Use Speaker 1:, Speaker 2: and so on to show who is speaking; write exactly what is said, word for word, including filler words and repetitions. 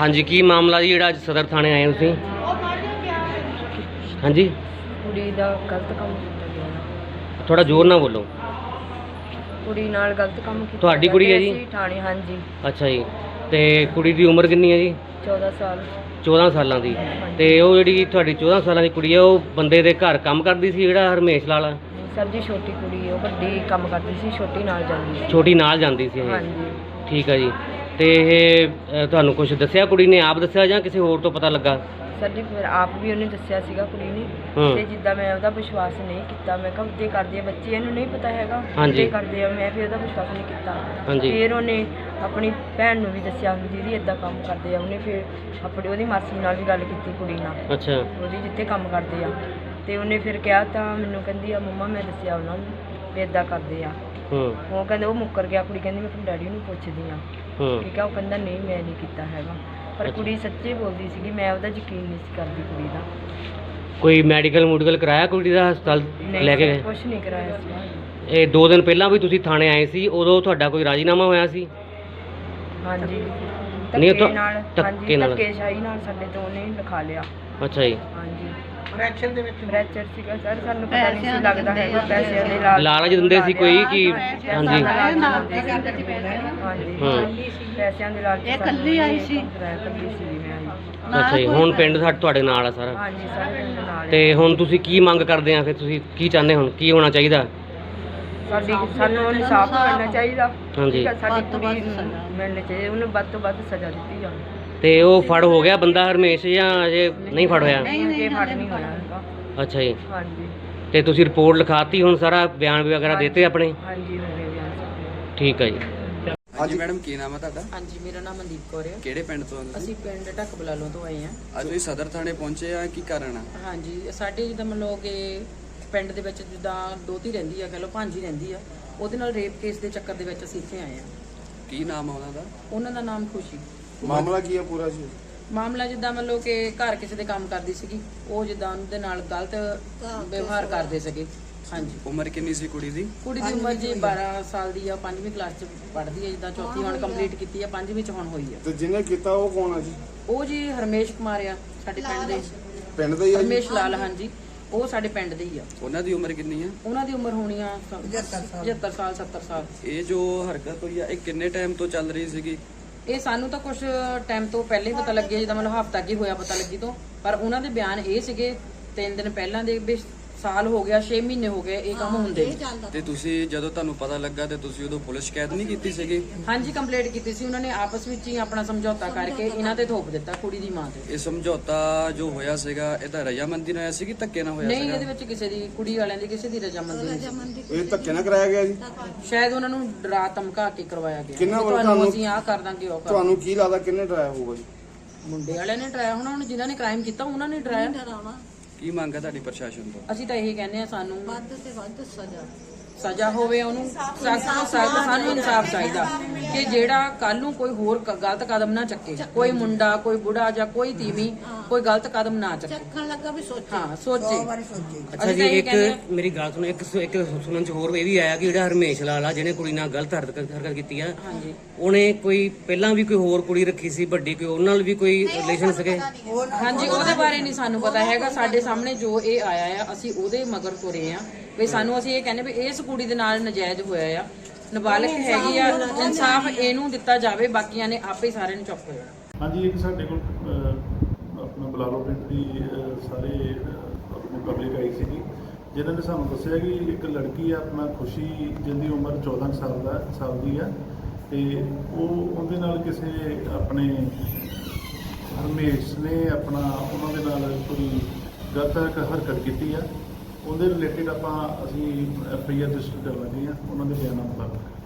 Speaker 1: हाँ जी, की मामला जी ਜਿਹੜਾ ਅੱਜ ਸਦਰ ਥਾਣੇ ਆਏ ਹੋ ਤੁਸੀਂ? ਹਾਂਜੀ,
Speaker 2: ਕੁੜੀ ਦਾ ਗਲਤ ਕੰਮ ਕੀਤਾ ਗਿਆ।
Speaker 1: ਥੋੜਾ ਜ਼ੋਰ ਨਾਲ ਬੋਲੋ।
Speaker 2: ਕੁੜੀ ਨਾਲ ਗਲਤ ਕੰਮ ਕੀਤਾ।
Speaker 1: ਤੁਹਾਡੀ ਕੁੜੀ ਹੈ ਜੀ?
Speaker 2: ਅਸੀਂ ਥਾਣੇ, ਹਾਂਜੀ।
Speaker 1: ਅੱਛਾ ਜੀ, ਤੇ ਕੁੜੀ ਦੀ ਉਮਰ ਕਿੰਨੀ ਹੈ ਜੀ?
Speaker 2: ਚੌਦਾਂ ਸਾਲ।
Speaker 1: ਚੌਦਾਂ ਸਾਲਾਂ ਦੀ। ਤੇ ਉਹ ਜਿਹੜੀ ਤੁਹਾਡੀ ਚੌਦਾਂ ਸਾਲਾਂ ਦੀ ਕੁੜੀ ਹੈ, ਉਹ ਬੰਦੇ ਦੇ ਘਰ ਕੰਮ ਕਰਦੀ ਸੀ ਜਿਹੜਾ ਹਰਮੇਸ਼ ਲਾਲ?
Speaker 2: ਸਰ ਜੀ ਛੋਟੀ ਕੁੜੀ ਹੈ, ਉਹ ਵੱਡੀ ਕੰਮ ਕਰਦੀ ਸੀ, ਛੋਟੀ ਨਾਲ ਜਾਂਦੀ ਸੀ।
Speaker 1: ਛੋਟੀ ਨਾਲ ਜਾਂਦੀ ਸੀ ਇਹ?
Speaker 2: ਹਾਂਜੀ।
Speaker 1: ਠੀਕ ਹੈ ਜੀ। ਤੇ ਇਹ ਅ, ਤੁਹਾਨੂੰ ਕੁਝ ਦੱਸਿਆ ਕੁੜੀ ਨੇ, ਆਪ ਦੱਸਿਆ ਜਾਂ ਕਿਸੇ ਹੋਰ ਤੋਂ ਪਤਾ ਲੱਗਾ?
Speaker 2: ਸਰ ਜੀ ਫਿਰ ਆਪ ਵੀ ਉਹਨੇ ਦੱਸਿਆ ਸੀਗਾ ਕੁੜੀ ਨੇ। ਤੇ ਜਿੱਦਾਂ ਮੈਂ ਉਹਦਾ ਵਿਸ਼ਵਾਸ ਨਹੀਂ ਕੀਤਾ, ਮੈਂ ਕਿਹਾ ਉੱਤੇ ਕਰਦੇ ਆ ਬੱਚੇ, ਇਹਨੂੰ ਨਹੀਂ ਪਤਾ ਹੈਗਾ ਉੱਤੇ ਕਰਦੇ ਆ, ਮੈਂ ਫਿਰ ਉਹਦਾ ਵਿਸ਼ਵਾਸ ਨਹੀਂ ਕੀਤਾ। ਫਿਰ ਉਹਨੇ ਆਪਣੀ ਭੈਣ ਨੂੰ ਵੀ ਦੱਸਿਆ ਵੀ ਦੀਦੀ ਇੱਦਾਂ ਕੰਮ ਕਰਦੇ ਆ। ਉਹਨੇ ਫਿਰ ਆਪਣੀ ਉਹਦੀ ਮਾਸੀ ਨਾਲ ਵੀ ਗੱਲ ਕੀਤੀ ਕੁੜੀ ਨਾਲ।
Speaker 1: ਅੱਛਾ।
Speaker 2: ਉਹਦੀ ਜਿੱਥੇ ਕੰਮ ਕਰਦੇ ਆ, ਤੇ ਉਹਨੇ ਫਿਰ ਕਿਹਾ ਤਾਂ ਮੈਨੂੰ ਕਹਿੰਦੀ ਆ ਮੰਮਾ ਮੈਂ ਦੱਸਿਆ ਉਹਨਾਂ ਨੂੰ ਵੀ ਇੱਦਾਂ ਕਰਦੇ ਆ। ਉਹ ਕਹਿੰਦੇ ਉਹ ਮੁੱਕਰ ਗਿਆ। ਕੁੜੀ ਕਹਿੰਦੀ ਮੈਂ ਆਪਣੇ ਡੈਡੀ ਨੂੰ ਪੁੱਛਦੀ ਆ। ਠੀਕ ਆ, ਉਹ ਕਹਿੰਦਾ ਨਹੀਂ ਮੈਂ ਨਹੀਂ ਕੀਤਾ ਹੈਗਾ। ਪਰ ਕੁੜੀ ਸੱਚੀ ਬੋਲਦੀ ਸੀਗੀ, ਮੈਂ ਉਹਦਾ ਯਕੀਨ ਨਹੀਂ ਸੀ ਕਰਦੀ ਕੁੜੀ ਦਾ।
Speaker 1: ਕੋਈ ਮੈਡੀਕਲ ਮੂਡੀਕਲ ਕਰਾਇਆ ਕੁੜੀ ਦਾ, ਹਸਪਤਾਲ ਲੈ ਕੇ ਗਏ?
Speaker 2: ਕੁਛ ਨਹੀਂ ਕਰਾਇਆ ਸੀ।
Speaker 1: ਇਹ ਦੋ ਦਿਨ ਪਹਿਲਾਂ ਵੀ ਤੁਸੀਂ ਥਾਣੇ ਆਏ ਸੀ, ਉਦੋਂ ਤੁਹਾਡਾ ਕੋਈ ਰਾਜੀਨਾਮਾ ਹੋਇਆ ਸੀ?
Speaker 2: ਹਾਂਜੀ,
Speaker 1: ਨਹੀਂ
Speaker 2: ਧੱਕੇ ਨਾਲ।
Speaker 1: ਧੱਕੇ ਨਾਲ,
Speaker 2: ਧੱਕੇਸ਼ਾਹੀ ਨਾਲ ਸਾਡੇ ਤੋਂ ਉਹਨੇ ਲਿਖਾ ਲਿਆ।
Speaker 1: ਅੱਛਾ ਜੀ।
Speaker 2: ਹਾਂਜੀ, ਫ੍ਰੈਕਚਰ ਦੇ ਵਿੱਚ ਫ੍ਰੈਕਚਰ ਸੀਗਾ ਸਰ। ਸਾਨੂੰ ਪਤਾ ਨਹੀਂ ਸੀ ਲੱਗਦਾ ਹੈਗਾ ਪੈਸਿਆਂ ਦੇ
Speaker 1: ਲਾਲਚ ਦਿੰਦੇ ਸੀ ਕੋਈ ਕਿ? ਹਾਂਜੀ
Speaker 2: ਹਾਂਜੀ, ਪੈਸਿਆਂ ਦੇ ਲਾਲਚ। ਇਹ ਕੱਲੀ ਆਈ ਸੀ, ਕੱਲੀ ਸੀ ਮੈਂ।
Speaker 1: ਅੱਛਾ ਜੀ। ਹੁਣ ਪਿੰਡ ਸਾਡ ਤੁਹਾਡੇ ਨਾਲ ਆ ਸਾਰਾ?
Speaker 2: ਹਾਂਜੀ, ਸਾਰੇ ਪਿੰਡ ਨਾਲ।
Speaker 1: ਤੇ ਹੁਣ ਤੁਸੀਂ ਕੀ ਮੰਗ ਕਰਦੇ ਆ ਫਿਰ? ਤੁਸੀਂ ਕੀ ਚਾਹੁੰਦੇ, ਹੁਣ ਕੀ ਹੋਣਾ ਚਾਹੀਦਾ?
Speaker 2: ਸਾਡੀ ਸਾਨੂੰ ਇਨਸਾਫ ਮਿਲਣਾ ਚਾਹੀਦਾ।
Speaker 1: ਹਾਂਜੀ,
Speaker 2: ਸਾਡੀ ਕੁੜੀ ਨੂੰ ਮਿਲਣੀ ਚਾਹੀਦੀ, ਉਹਨੂੰ ਵੱਧ ਤੋਂ ਵੱਧ ਸਜ਼ਾ ਦਿੱਤੀ ਜਾਵੇ।
Speaker 1: ਤੇ ਉਹ ਫੜ ਹੋ ਗਿਆ ਬੰਦਾ ਹਰਮੇਸ਼ ਜਾਂ ਅਜੇ ਨਹੀਂ ਫੜ ਹੋਇਆ?
Speaker 2: ਨਹੀਂ, ਅਜੇ ਫੜ ਨਹੀਂ ਹੋਇਆ ਹੈਗਾ।
Speaker 1: ਅੱਛਾ ਜੀ।
Speaker 2: ਹਾਂਜੀ।
Speaker 1: ਤੇ ਤੁਸੀਂ ਰਿਪੋਰਟ ਲਿਖਾਤੀ, ਹੁਣ ਸਾਰਾ ਬਿਆਨ ਵਗੈਰਾ ਦਿੱਤੇ ਆਪਣੇ?
Speaker 2: ਹਾਂਜੀ, ਹੋ ਗਏ ਬਿਆਨ ਸਾਰੇ।
Speaker 1: ਠੀਕ ਹੈ ਜੀ।
Speaker 3: ਹਾਂਜੀ ਮੈਡਮ, ਕੀ ਨਾਮ ਹੈ ਤੁਹਾਡਾ?
Speaker 2: ਹਾਂਜੀ, ਮੇਰਾ ਨਾਮ ਮਨਦੀਪ ਕੌਰ ਹੈ।
Speaker 3: ਕਿਹੜੇ ਪਿੰਡ ਤੋਂ?
Speaker 2: ਅਸੀਂ ਪਿੰਡ ਢੱਕ ਬਲਾਲੋਂ ਤੋਂ ਆਏ ਹਾਂ।
Speaker 3: ਅੱਜ ਤੁਸੀਂ ਸਦਰ ਥਾਣੇ ਪਹੁੰਚੇ ਆ, ਕੀ ਕਾਰਨ ਆ?
Speaker 2: ਹਾਂਜੀ, ਸਾਡੇ ਜਿੱਦਾਂ ਮੰਨ ਲਓ ਕਿ ਪਿੰਡ ਦੇ ਵਿੱਚ ਜਿੱਦਾਂ ਦੋਤੀ ਰਹਿੰਦੀ ਆ, ਕਹ ਲਓ ਭਾਂਜੀ ਰਹਿੰਦੀ ਆ, ਉਹਦੇ ਨਾਲ ਰੇਪ ਕੇਸ ਦੇ ਚੱਕਰ ਦੇ ਵਿੱਚ ਅਸੀਂ ਇੱਥੇ ਆਏ ਹਾਂ।
Speaker 3: ਕੀ ਨਾਮ ਆ ਉਹਨਾਂ ਦਾ?
Speaker 2: ਉਹਨਾਂ ਦਾ ਨਾਮ ਖੁਸ਼ੀ।
Speaker 4: ਮਾਮਲਾ ਕੀ ਆ ਪੂਰਾ ਜੀ?
Speaker 2: ਮਾਮਲਾ ਜਿੱਦਾਂ ਮੰਨ ਲਓ ਕਿ ਘਰ ਕਿਸੇ ਦੇ ਕੰਮ ਕਰਦੀ ਸੀਗੀ, ਉਹ ਜਿੱਦਾਂ ਉਹਦੇ ਨਾਲ ਗਲਤ ਵਿਵਹਾਰ ਕਰਦੇ ਸੀਗੇ। ਹਾਂਜੀ।
Speaker 3: ਉਮਰ ਕਿੰਨੀ ਸੀ ਕੁੜੀ ਦੀ?
Speaker 2: ਕੁੜੀ ਦੀ ਉਮਰ ਜੀ ਬਾਰਾਂ ਸਾਲ ਦੀ ਆ, ਪੰਜਵੀਂ ਕਲਾਸ ਚ ਪੜ੍ਹਦੀ ਹੈ। ਜਿੱਦਾਂ ਚੌਥੀ ਹੁਣ ਕੰਪਲੀਟ ਕੀਤੀ ਆ, ਪੰਜਵੀਂ ਚ ਹੁਣ ਹੋਈ ਆ।
Speaker 4: ਤੇ ਜਿਹਨੇ ਕੀਤਾ ਉਹ ਕੌਣ ਆ ਜੀ?
Speaker 2: ਉਹ ਜੀ ਹਰਮੇਸ਼ ਕੁਮਾਰ ਆ, ਸਾਡੇ ਪਿੰਡ ਦੇ।
Speaker 4: ਪਿੰਡ ਦਾ ਹੀ ਆ ਜੀ?
Speaker 2: ਹਰਮੇਸ਼ ਲਾਲ, ਹਾਂਜੀ, ਉਹ ਸਾਡੇ ਪਿੰਡ ਦੇ ਹੀ ਆ।
Speaker 3: ਉਹਨਾਂ ਦੀ ਉਮਰ ਕਿੰਨੀ ਆ?
Speaker 2: ਉਹਨਾਂ ਦੀ ਉਮਰ ਹੋਣੀ ਆ ਪਚੱਤਰ ਸਾਲ ਸੱਤਰ ਸਾਲ।
Speaker 3: ਇਹ ਜੋ ਹਰਕਤ ਹੋਈ ਆ, ਇਹ ਕਿੰਨੇ ਟਾਈਮ ਤੋਂ ਚੱਲ ਰਹੀ ਸੀਗੀ?
Speaker 2: ਇਹ ਸਾਨੂੰ ਤਾਂ ਕੁਝ ਟਾਈਮ ਤੋਂ ਪਹਿਲਾਂ ਹੀ ਪਤਾ ਲੱਗਿਆ, ਜਿੱਦਾਂ ਮਤਲਬ ਹਫ਼ਤਾ ਕੀ ਹੋਇਆ ਪਤਾ ਲੱਗੀ ਤੋਂ। ਪਰ ਉਹਨਾਂ ਦੇ ਬਿਆਨ ਇਹ ਸੀਗੇ ਤਿੰਨ ਦਿਨ ਪਹਿਲਾਂ ਦੇ ਵੀ ਸਾਲ ਹੋ ਗਿਆ, ਛੇ ਮਹੀਨੇ ਹੋ ਗਏ ਇਹ ਕੰਮ ਹੁੰਦੇ।
Speaker 3: ਤੇ ਤੁਸੀਂ ਜਦੋਂ ਤੁਹਾਨੂੰ ਪਤਾ ਲੱਗਾ ਤੇ ਤੁਸੀਂ ਉਦੋਂ ਪੁਲਿਸ ਸ਼ਿਕਾਇਤ ਨਹੀਂ ਕੀਤੀ ਸੀਗੀ?
Speaker 2: ਹਾਂਜੀ, ਕੰਪਲੇਂਟ ਕੀਤੀ ਸੀ। ਉਹਨਾਂ ਨੇ ਆਪਸ ਵਿੱਚ ਹੀ ਆਪਣਾ ਸਮਝੌਤਾ ਕਰਕੇ ਇਹਨਾਂ ਤੇ ਥੋਪ ਦਿੱਤਾ, ਕੁੜੀ ਦੀ ਮਾਂ ਤੇ।
Speaker 3: ਇਹ ਸਮਝੌਤਾ ਜੋ ਹੋਇਆ ਸੀਗਾ, ਇਹਦਾ ਰਜ਼ਾਮੰਦੀ ਨਾਲ ਹੋਇਆ ਸੀ ਕਿ ਧੱਕੇ ਨਾਲ ਹੋਇਆ ਸੀਗਾ?
Speaker 2: ਨਹੀਂ, ਇਹਦੇ ਵਿੱਚ ਕਿਸੇ ਦੀ, ਕੁੜੀ ਵਾਲਿਆਂ ਦੀ ਕਿਸੇ ਦੀ ਰਜ਼ਾਮੰਦੀ ਨਹੀਂ।
Speaker 4: ਇਹ ਧੱਕੇ ਨਾਲ ਕਰਾਇਆ ਗਿਆ ਜੀ?
Speaker 2: ਸ਼ਾਇਦ ਉਹਨਾਂ ਨੂੰ ਡਰਾ ਧਮਕਾ ਕੇ ਕਰਵਾਇਆ ਗਿਆ।
Speaker 4: ਕਿੰਨਾ
Speaker 2: ਤੁਹਾਨੂੰ ਅਸੀਂ ਆਹ ਕਰ ਦਾਂਗੇ, ਉਹ ਕਰ।
Speaker 4: ਤੁਹਾਨੂੰ ਕੀ ਲੱਗਦਾ ਕਿੰਨੇ ਡਰਾਇਆ ਹੋਊਗਾ ਜੀ?
Speaker 2: ਮੁੰਡੇ ਵਾਲਿਆਂ ਨੇ ਡਰਾਇਆ ਹੋਣਾ, ਹੁਣ ਜਿਨ੍ਹਾਂ ਨੇ ਕ੍ਰਾਈਮ ਕੀਤਾ ਉਹਨਾਂ ਨੇ ਡਰਾਇਆ।
Speaker 3: ਕੀ ਮੰਗ ਹੈ ਤੁਹਾਡੀ ਪ੍ਰਸ਼ਾਸਨ ਤੋਂ?
Speaker 2: ਅਸੀਂ ਤਾਂ ਇਹੀ ਕਹਿੰਦੇ ਆ, ਸਾਨੂੰ ਵੱਧ ਤੇ ਵੱਧ ਸਜ਼ਾ ਸਜ਼ਾ ਹੋਵੇ, ਉਹਨੂੰ ਸਖਤ ਤੋਂ ਸਖਤ। ਸਾਨੂੰ ਇਨਸਾਫ ਚਾਹੀਦਾ ਕਿ ਜਿਹੜਾ ਕੱਲ ਨੂੰ ਕੋਈ ਹੋਰ ਗਲਤ ਕਦਮ ਨਾ ਚੱਕੇ, ਕੋਈ ਮੁੰਡਾ, ਕੋਈ ਬੁੜਾ ਜਾਂ ਕੋਈ ਤੀਵੀਂ ਕੋਈ ਗਲਤ ਕਦਮ ਨਾ ਚੱਕੇ। ਚੱਕਣ ਲੱਗਾ ਵੀ ਸੋਚੇ, ਹਾਂ ਸੋਚੇ।
Speaker 1: ਅੱਛਾ ਜੀ, ਇੱਕ ਮੇਰੀ ਗੱਲ ਸੁਣੋ, ਇੱਕ ਇੱਕ ਸੁਣਨ ਚ ਹੋਰ ਇਹ ਵੀ ਆਇਆ ਕਿ ਜਿਹੜਾ ਹਰਮੇਸ਼ ਲਾਲ ਆ, ਜਿਹਨੇ ਕੁੜੀ ਨਾਲ ਗਲਤ ਹਰਕਤ ਹਰਕਤ ਕੀਤੀ ਆ, ਉਹਨੇ ਕੋਈ ਪਹਿਲਾਂ ਵੀ ਕੋਈ ਹੋਰ ਕੁੜੀ ਰੱਖੀ ਸੀ ਵੱਡੀ, ਕੋਈ ਉਹਨਾਂ ਨਾਲ ਵੀ ਕੋਈ ਰਿਲੇਸ਼ਨ ਸੀਗੇ?
Speaker 2: ਹਾਂਜੀ, ਉਹਦੇ ਬਾਰੇ ਨਹੀਂ ਸਾਨੂੰ ਪਤਾ ਹੈਗਾ। ਸਾਡੇ ਸਾਹਮਣੇ ਜੋ ਇਹ ਆਇਆ ਆ, ਅਸੀਂ ਉਹਦੇ ਮਗਰ ਤੁਰੇ ਆ ਵੀ ਸਾਨੂੰ, ਅਸੀਂ ਇਹ ਕਹਿੰਦੇ ਵੀ ਇਸ ਕੁੜੀ ਦੇ ਨਾਲ ਨਜਾਇਜ਼ ਹੋਇਆ ਆ, ਨਾਬਾਲਗ ਹੈਗੀ ਆ, ਇਨਸਾਫ ਇਹਨੂੰ ਦਿੱਤਾ ਜਾਵੇ, ਬਾਕੀਆਂ ਨੇ ਆਪੇ ਸਾਰਿਆਂ ਨੂੰ ਚੁੱਪ ਹੋ ਜਾਣਾ।
Speaker 5: ਹਾਂਜੀ, ਇੱਕ ਸਾਡੇ ਕੋਲ ਆਪਣਾ ਬਲਾਲੋ ਪਿੰਡ ਦੀ ਸਾਰੇ ਆਪਣੀ ਪਬਲਿਕ ਆਈ ਸੀਗੀ, ਜਿਨ੍ਹਾਂ ਨੇ ਸਾਨੂੰ ਦੱਸਿਆ ਕਿ ਇੱਕ ਲੜਕੀ ਆ ਆਪਣਾ ਖੁਸ਼ੀ, ਜਿਹਦੀ ਉਮਰ ਚੌਦਾਂ ਸਾਲ ਦਾ ਸਾਲ ਦੀ ਆ, ਤੇ ਉਹ ਉਹਦੇ ਨਾਲ ਕਿਸੇ ਆਪਣੇ ਹਰਮੇਸ਼ ਨੇ ਆਪਣਾ ਉਹਨਾਂ ਦੇ ਨਾਲ ਕੋਈ ਗਲਤ ਹਰਕਤ ਕੀਤੀ ਆ। ਉਹਦੇ ਰਿਲੇਟਿਡ ਆਪਾਂ ਅਸੀਂ ਐਫ ਆਈ ਆਰ ਰਜਿਸਟਰ ਕਰ ਲੱਗੇ ਆ ਉਹਨਾਂ ਦੇ ਬਿਆਨਾਂ ਮੁਤਾਬਕ।